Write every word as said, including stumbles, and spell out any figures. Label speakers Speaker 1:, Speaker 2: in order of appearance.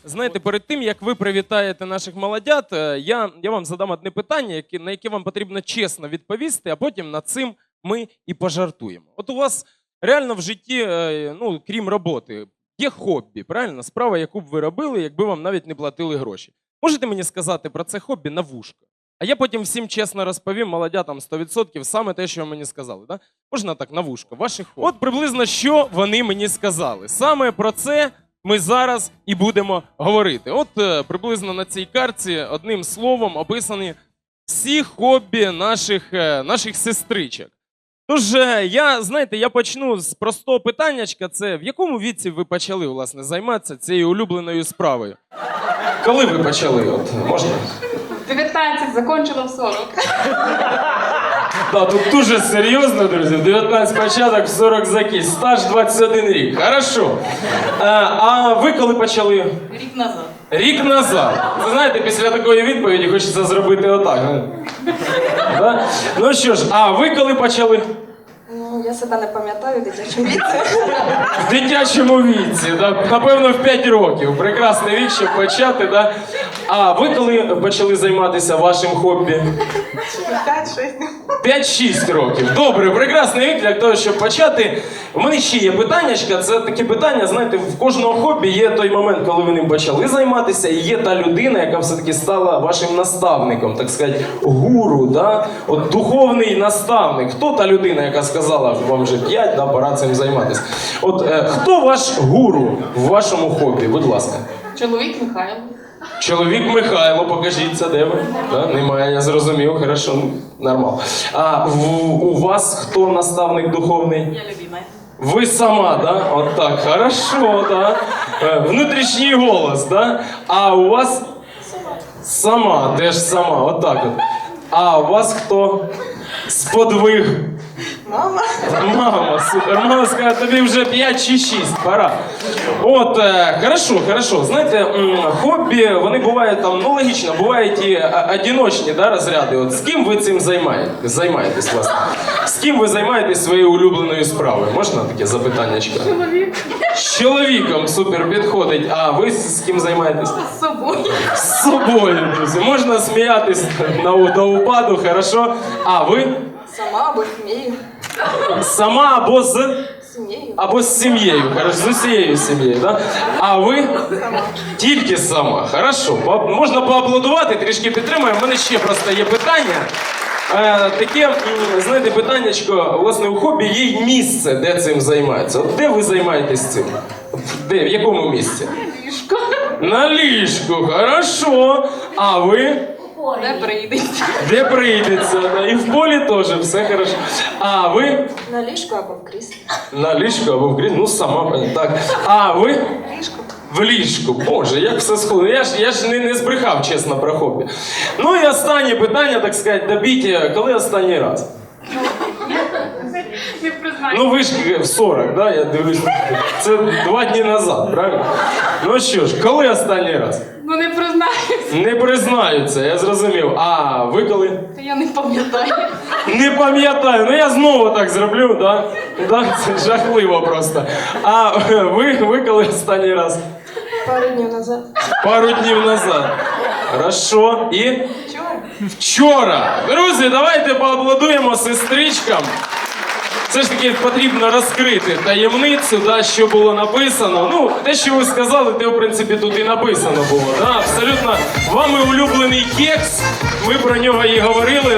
Speaker 1: Знаєте, перед тим, як ви привітаєте наших молодят, е, я, я вам задам одне питання, яке, на яке вам потрібно чесно відповісти, а потім над цим ми і пожартуємо. От у вас реально в житті, е, ну, крім роботи, є хобі, правильно? Справа, яку б ви робили, якби вам навіть не платили гроші. Можете мені сказати про це хобі на вушко? А я потім всім чесно розповім, молодятам сто відсотків, саме те, що ви мені сказали. Да? Можна так, на вушко, ваші хобі. От приблизно, що вони мені сказали. Саме про це ми зараз і будемо говорити. От е, приблизно на цій картці одним словом описані всі хобі наших, е, наших сестричок. Тож, е, я, знаєте, я почну з простого питаннячка. Це в якому віці ви почали, власне, займатися цією улюбленою справою? Коли ви почали? От, можна?
Speaker 2: дев'ятнадцять, закончила в сорок.
Speaker 1: Так, тут дуже серйозно, друзі. В дев'ятнадцять початок, в сорок закіс. Стаж двадцять один рік. Хорошо. А, а ви коли почали?
Speaker 2: Рік назад.
Speaker 1: Рік назад. Ви знаєте, після такої відповіді хочеться зробити отак. Да? Ну що ж, а ви коли почали?
Speaker 3: Ну, я себе не пам'ятаю в дитячому віці.
Speaker 1: В дитячому віці, да? Напевно, в п'ять років. Прекрасний вік, щоб почати. Да? А ви коли почали займатися вашим хобі?
Speaker 3: п'ять-шість.
Speaker 1: п'ять-шість років. Добре, прекрасний вік для того, щоб почати. У мене ще є питаннячка. Це такі питання, знаєте, в кожного хобі є той момент, коли ви ним почали займатися, і є та людина, яка все-таки стала вашим наставником, так сказати, гуру, да? От духовний наставник. Хто та людина, яка сказала, вам вже п'ять, да, пора цим займатися? От е, хто ваш гуру в вашому хобі? Будь ласка.
Speaker 2: Чоловік Михайло.
Speaker 1: Чоловік Михайло, покажіть це, де ви? Да? Немає, я зрозумів, хорошо, ну, нормально. А в, у вас хто наставник духовний?
Speaker 2: Я любима.
Speaker 1: Ви сама, да? От так, хорошо, да? Е, Внутрішній голос, да? А у вас? Сама. Сама, теж сама, от так от. А у вас хто? Сподвиг.
Speaker 3: Мама.
Speaker 1: Мама, супер. Мама сказала, тобі вже п'ять чи шість, пора. От, е, хорошо, хорошо. Знаєте, м, хобі, вони бувають там, ну логічно, бувають і а, одиночні, да, розряди. От з ким ви цим займаєтесь, займаєтесь, власне? З ким ви займаєтесь своєю улюбленою справою? Можна таке запитаннячко?
Speaker 2: Чоловік.
Speaker 1: З чоловіком, супер, підходить. А ви з ким займаєтесь?
Speaker 2: З собою.
Speaker 1: З собою, друзі. Можна сміятись на, на упаду, хорошо. А ви?
Speaker 3: Сама або сім'єю.
Speaker 1: Сама або з...
Speaker 3: Сім'єю.
Speaker 1: Або з сім'єю, хорошо, з усією сім'єю, да? А ви?
Speaker 3: Сама.
Speaker 1: Тільки сама, хорошо. По- Можна поаплодувати, трішки підтримаємо. У мене ще просто є питання. Е, таке, м, знаєте, питаннячко, власне, у хобі є й місце, де цим займається. От де ви займаєтесь цим? Де, в якому місці?
Speaker 2: Ліжко.
Speaker 1: На ліжку, хорошо. А ви?
Speaker 2: Не прийдеться.
Speaker 1: Де прийдеться? Да? І в полі теж, все хорошо. А ви?
Speaker 3: На ліжку або в кріслі.
Speaker 1: На ліжку або в кріслі, ну сама, понятно. Так. А ви?
Speaker 3: Ліжко.
Speaker 1: В ліжку. Боже, як все сходить. Я ж, я ж не, не збрехав, чесно, про хобі. Ну і останнє питання, так сказати, добіть, коли останній раз?
Speaker 2: Не признаю.
Speaker 1: Ну ви ж в сорок, да? Я дивлюсь. Це два дні назад, правильно? Ну що ж, коли останній раз?
Speaker 2: Ну не признаюся.
Speaker 1: Не признаються, я зрозумів. А ви коли?
Speaker 2: Та я не пам'ятаю.
Speaker 1: Не пам'ятаю, ну я знову так зроблю, да? Да, це жахливо просто. А ви, ви коли останній раз?
Speaker 3: Пару днів назад.
Speaker 1: Пару днів назад. Хорошо. І?
Speaker 3: Вчора.
Speaker 1: Вчора. Друзі, давайте поаплодуємо сестричкам. Все ж таки потрібно розкрити таємницю, да, що було написано. Ну, те, що ви сказали, те, в принципі, тут і написано було. Да? Абсолютно вами улюблений кекс. Ми про нього і говорили.